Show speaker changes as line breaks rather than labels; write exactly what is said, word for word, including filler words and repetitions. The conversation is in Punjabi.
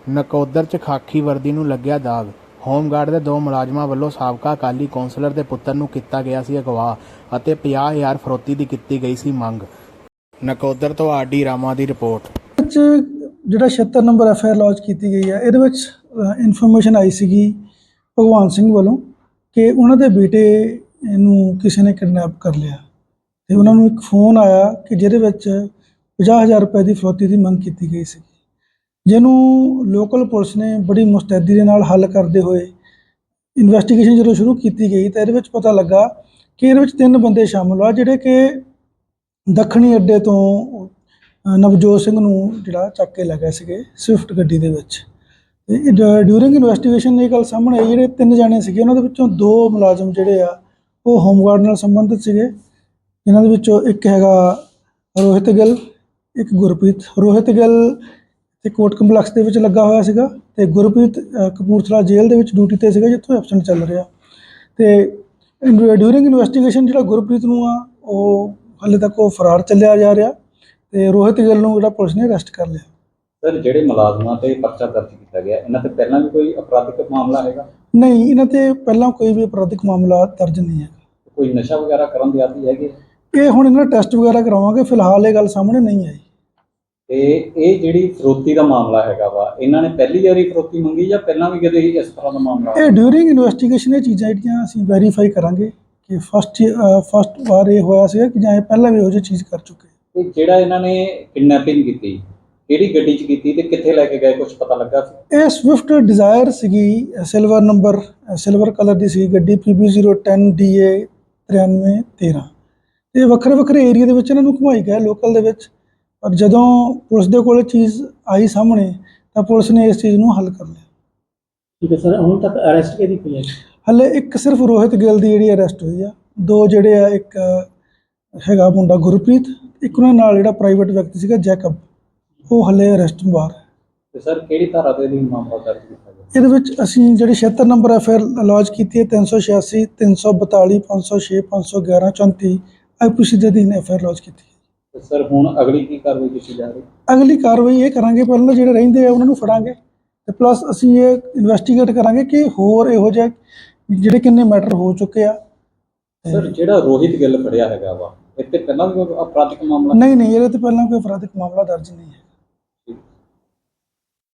ਨਕੋਦਰ 'ਚ ਖਾਕੀ ਵਰਦੀ ਨੂੰ ਲੱਗਿਆ ਦਾਗ। ਹੋਮਗਾਰਡ ਦੇ ਦੋ ਮੁਲਾਜ਼ਮਾਂ ਵੱਲੋਂ ਸਾਬਕਾ ਅਕਾਲੀ ਕੌਂਸਲਰ ਦੇ ਪੁੱਤਰ ਨੂੰ ਕੀਤਾ ਗਿਆ ਸੀ ਅਗਵਾ ਅਤੇ ਪੰਜਾਹ ਹਜ਼ਾਰ ਫਰੋਤੀ ਦੀ ਕੀਤੀ ਗਈ ਸੀ ਮੰਗ। ਨਕੋਦਰ ਤੋਂ ਆਰ ਡੀ ਰਾਮਾ ਦੀ ਰਿਪੋਰਟ।
ਵਿੱਚ ਜਿਹੜਾ ਛਿਹੱਤਰ number F I R launch ਕੀਤੀ ਗਈ ਹੈ, ਇਹਦੇ ਵਿੱਚ ਇਨਫੋਰਮੇਸ਼ਨ ਆਈ ਸੀਗੀ ਭਗਵਾਨ ਸਿੰਘ ਵੱਲੋਂ ਕਿ ਉਹਨਾਂ ਦੇ ਬੇਟੇ ਨੂੰ ਕਿਸੇ ਨੇ ਕਿਡਨੈਪ ਕਰ ਲਿਆ ਅਤੇ ਉਹਨਾਂ ਨੂੰ ਇੱਕ ਫੋਨ ਆਇਆ ਕਿ ਜਿਹਦੇ ਵਿੱਚ ਪੰਜਾਹ ਹਜ਼ਾਰ ਰੁਪਏ ਦੀ ਫਰੋਤੀ ਦੀ ਮੰਗ ਕੀਤੀ ਗਈ ਸੀ, ਜਿਹਨੂੰ ਲੋਕਲ ਪੁਲਿਸ ਨੇ ਬੜੀ ਮੁਸਤੈਦੀ ਦੇ ਨਾਲ ਹੱਲ ਕਰਦੇ ਹੋਏ ਇਨਵੈਸਟੀਗੇਸ਼ਨ ਜਦੋਂ ਸ਼ੁਰੂ ਕੀਤੀ ਗਈ ਤਾਂ ਇਹਦੇ ਵਿੱਚ ਪਤਾ ਲੱਗਾ ਕਿ ਇਹਦੇ ਵਿੱਚ ਤਿੰਨ ਬੰਦੇ ਸ਼ਾਮਲ ਆ ਜਿਹੜੇ ਕਿ ਦੱਖਣੀ ਅੱਡੇ ਤੋਂ ਨਵਜੋਤ ਸਿੰਘ ਨੂੰ ਜਿਹੜਾ ਚੱਕ ਕੇ ਲੈ ਗਏ ਸੀਗੇ ਸਵਿਫਟ ਗੱਡੀ ਦੇ ਵਿੱਚ। ਡਿਊਰਿੰਗ ਇਨਵੈਸਟੀਗੇਸ਼ਨ ਇਹ ਗੱਲ ਸਾਹਮਣੇ ਆਈ, ਜਿਹੜੇ ਤਿੰਨ ਜਾਣੇ ਸੀਗੇ ਉਹਨਾਂ ਦੇ ਵਿੱਚੋਂ ਦੋ ਮੁਲਾਜ਼ਮ ਜਿਹੜੇ ਆ ਉਹ ਹੋਮਗਾਰਡ ਨਾਲ ਸੰਬੰਧਿਤ ਸੀਗੇ, ਜਿਨ੍ਹਾਂ ਦੇ ਵਿੱਚੋਂ ਇੱਕ ਹੈਗਾ ਰੋਹਿਤ ਗਿੱਲ, ਇੱਕ ਗੁਰਪ੍ਰੀਤ। ਰੋਹਿਤ ਗਿੱਲ ਤੇ ਕੋਰਟ ਕੰਪਲੈਕਸ ਦੇ ਵਿੱਚ ਲੱਗਾ ਹੋਇਆ ਸੀਗਾ ਅਤੇ ਗੁਰਪ੍ਰੀਤ ਕਪੂਰਥਲਾ ਜੇਲ੍ਹ ਦੇ ਵਿੱਚ ਡਿਊਟੀ 'ਤੇ ਸੀਗਾ, ਜਿੱਥੋਂ ਐਬਸੈਂਟ ਚੱਲ ਰਿਹਾ। ਅਤੇ ਡਿਊਰਿੰਗ ਇਨਵੈਸਟੀਗੇਸ਼ਨ ਜਿਹੜਾ ਗੁਰਪ੍ਰੀਤ ਨੂੰ ਆ ਉਹ ਹਾਲੇ ਤੱਕ ਉਹ ਫਰਾਰ ਚੱਲਿਆ ਜਾ ਰਿਹਾ ਅਤੇ ਰੋਹਿਤ ਗਿੱਲ ਨੂੰ ਜਿਹੜਾ ਪੁਲਿਸ ਨੇ ਅਰੈਸਟ ਕਰ ਲਿਆ।
ਸਰ, ਜਿਹੜੇ ਮੁਲਾਜ਼ਮਾਂ 'ਤੇ ਪਰਚਾ ਦਰਜ ਕੀਤਾ ਗਿਆ, ਇਹਨਾਂ 'ਤੇ ਪਹਿਲਾਂ ਵੀ ਕੋਈ ਅਪਰਾਧਿਕ ਮਾਮਲਾ ਹੈਗਾ?
ਨਹੀਂ, ਇਹਨਾਂ 'ਤੇ ਪਹਿਲਾਂ ਕੋਈ ਵੀ ਅਪਰਾਧਿਕ ਮਾਮਲਾ ਦਰਜ ਨਹੀਂ ਹੈ।
ਕੋਈ ਨਸ਼ਾ ਵਗੈਰਾ ਕਰਨ ਦੇ ਆਦੀ ਹੈਗੇ?
ਇਹ ਹੁਣ ਇਹਨਾਂ ਦਾ ਟੈਸਟ ਵਗੈਰਾ ਕਰਾਵਾਂਗੇ, ਫਿਲਹਾਲ ਇਹ ਗੱਲ ਸਾਹਮਣੇ ਨਹੀਂ ਆਈ।
ਤੇ ਇਹ ਜਿਹੜੀ ਫਰੋਤੀ ਦਾ ਮਾਮਲਾ ਹੈਗਾ ਵਾ, ਇਹਨਾਂ ਨੇ ਪਹਿਲੀ ਵਾਰੀ ਫਰੋਤੀ ਮੰਗੀ ਜਾਂ ਪਹਿਲਾਂ ਵੀ ਕਦੇ ਇਸ ਤਰ੍ਹਾਂ ਦਾ ਮਾਮਲਾ?
ਇਹ ਡਿਊਰਿੰਗ ਇਨਵੈਸਟੀਗੇਸ਼ਨ ਇਹ ਚੀਜ਼ਾਂ ਜਿਹੜੀਆਂ ਅਸੀਂ ਵੈਰੀਫਾਈ ਕਰਾਂਗੇ ਕਿ ਫਸਟ ਫਸਟ ਵਾਰ ਇਹ ਹੋਇਆ ਸੀਗਾ ਕਿ ਜਾਂ ਇਹ ਪਹਿਲਾਂ ਵੀ ਇਹੋ ਜਿਹੀ ਚੀਜ਼ ਕਰ ਚੁੱਕੇ।
ਤੇ ਜਿਹੜਾ ਇਹਨਾਂ ਨੇ ਕਿਡਨੈਪਿੰਗ ਕੀਤੀ, ਕਿਹੜੀ ਗੱਡੀ 'ਚ ਕੀਤੀ ਤੇ ਕਿੱਥੇ ਲੈ ਕੇ ਗਏ, ਕੁਝ ਪਤਾ ਲੱਗਾ ਸੀ?
ਇਹ ਸਵਿਫਟ ਡਿਜ਼ਾਇਰ ਸੀਗੀ, ਸਿਲਵਰ ਨੰਬਰ, ਸਿਲਵਰ ਕਲਰ ਦੀ ਸੀ ਗੱਡੀ, P B zero ten D A ਤਰਿਆਨਵੇਂ ਤੇਰ੍ਹਾਂ। ਅਤੇ ਵੱਖਰੇ ਵੱਖਰੇ ਏਰੀਏ ਦੇ ਵਿੱਚ ਇਹਨਾਂ ਨੂੰ ਘੁਮਾਈ ਗਿਆ ਲੋਕਲ ਦੇ ਵਿੱਚ, ਪਰ ਜਦੋਂ ਪੁਲਿਸ ਦੇ ਕੋਲ ਚੀਜ਼ ਆਈ ਸਾਹਮਣੇ ਤਾਂ ਪੁਲਿਸ ਨੇ ਇਸ ਚੀਜ਼ ਨੂੰ ਹੱਲ ਕਰ ਲਿਆ।
ਠੀਕ ਹੈ ਸਰ, ਹੁਣ ਤੱਕ ਅਰੈਸਟ ਕਿਹਦੀ ਹੋਈ ਹੈ?
ਹਾਲੇ ਇੱਕ ਸਿਰਫ ਰੋਹਿਤ ਗਿੱਲ ਦੀ ਜਿਹੜੀ ਅਰੈਸਟ ਹੋਈ ਆ, ਦੋ ਜਿਹੜੇ ਆ, ਇੱਕ ਹੈਗਾ ਮੁੰਡਾ ਗੁਰਪ੍ਰੀਤ, ਇੱਕ ਉਹਨਾਂ ਨਾਲ ਜਿਹੜਾ ਪ੍ਰਾਈਵੇਟ ਵਿਅਕਤੀ ਸੀਗਾ ਜੈਕਬ, ਉਹ ਹਾਲੇ ਅਰੈਸਟ ਬਾਹਰ ਹੈ।
ਤੇ ਸਰ, ਕਿਹੜੀ ਧਾਰਾ ਦੇ ਅਧੀਨ ਮਾਮਲਾ ਦਰਜ ਕੀਤਾ ਗਿਆ?
ਇਹਦੇ ਵਿੱਚ ਅਸੀਂ ਜਿਹੜੀ ਛਿਹੱਤਰ number F I R launch ਕੀਤੀ ਹੈ, ਤਿੰਨ ਸੌ ਛਿਆਸੀ, ਤਿੰਨ ਸੌ ਬਤਾਲੀ, ਪੰਜ ਸੌ ਛੇ, ਪੰਜ ਸੌ ਗਿਆਰਾਂ, ਚੌਂਤੀ ਆਈ ਪੀ ਸੀ ਦੇ ਅਧੀਨ ਐਫ ਆਈ ਆਰ ਲੌਂਚ ਕੀਤੀ ਹੈ।
ਤੇ ਸਰ, ਹੁਣ ਅਗਲੀ ਕੀ ਕਾਰਵਾਈ ਕੀਤੀ ਜਾ ਰਹੀ?
ਅਗਲੀ ਕਾਰਵਾਈ ਇਹ ਕਰਾਂਗੇ, ਪਹਿਲਾਂ ਜਿਹੜੇ ਰਹਿੰਦੇ ਆ ਉਹਨਾਂ ਨੂੰ ਫੜਾਂਗੇ ਅਤੇ ਪਲੱਸ ਅਸੀਂ ਇਹ ਇਨਵੈਸਟੀਗੇਟ ਕਰਾਂਗੇ ਕਿ ਹੋਰ ਇਹੋ ਜਿਹੇ ਜਿਹੜੇ ਕਿੰਨੇ ਮੈਟਰ ਹੋ ਚੁੱਕੇ ਆ।
ਸਰ, ਜਿਹੜਾ ਰੋਹਿਤ ਗਿੱਲ ਫੜਿਆ ਹੈਗਾ ਵਾ, ਇੱਥੇ ਪਹਿਲਾਂ ਵੀ ਕੋਈ ਅਪਰਾਧਿਕ ਮਾਮਲਾ?
ਨਹੀਂ ਨਹੀਂ, ਇਹਦੇ ਤੋਂ ਪਹਿਲਾਂ ਕੋਈ ਅਪਰਾਧਿਕ ਮਾਮਲਾ ਦਰਜ ਨਹੀਂ ਹੈ।